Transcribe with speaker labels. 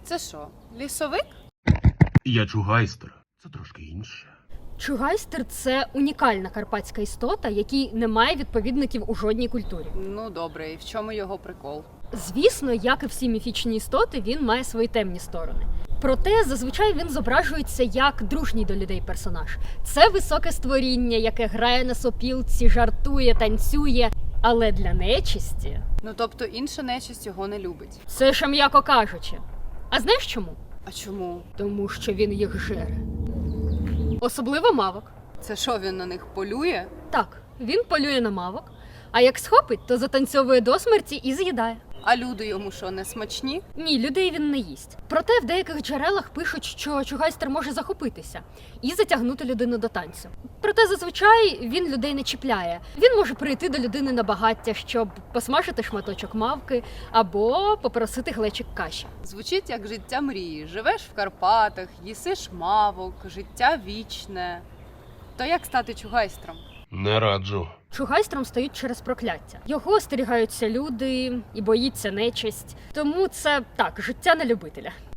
Speaker 1: Це що, лісовик?
Speaker 2: Я чугайстер. Це трошки інше.
Speaker 3: Чугайстер – це унікальна карпатська істота, який не має відповідників у жодній культурі.
Speaker 1: Ну добре, і в чому його прикол?
Speaker 3: Звісно, як і всі міфічні істоти, він має свої темні сторони. Проте зазвичай він зображується як дружній до людей персонаж. Це високе створіння, яке грає на сопілці, жартує, танцює. Але для нечисті
Speaker 1: Ну тобто інша нечисть його не любить.
Speaker 3: це ще м'яко кажучи. А знаєш чому?
Speaker 1: А чому?
Speaker 3: Тому що він їх жере. Особливо мавок.
Speaker 1: Це що, він на них полює?
Speaker 3: Так, він полює на мавок, а як схопить, то затанцьовує до смерті і з'їдає.
Speaker 1: А люди йому що, не смачні?
Speaker 3: Ні, людей він не їсть. Проте в деяких джерелах пишуть, що чугайстер може захопитися і затягнути людину до танцю. Проте зазвичай він людей не чіпляє. Він може прийти до людини на багаття, щоб посмажити шматочок мавки або попросити глечик каші.
Speaker 1: Звучить як життя мрії. Живеш в Карпатах, їсиш мавок, життя вічне. То як стати чугайстром?
Speaker 2: Не раджу.
Speaker 3: Чугайстром стають через прокляття. Його остерігаються люди і боїться нечисть. Тому це так, життя на любителя.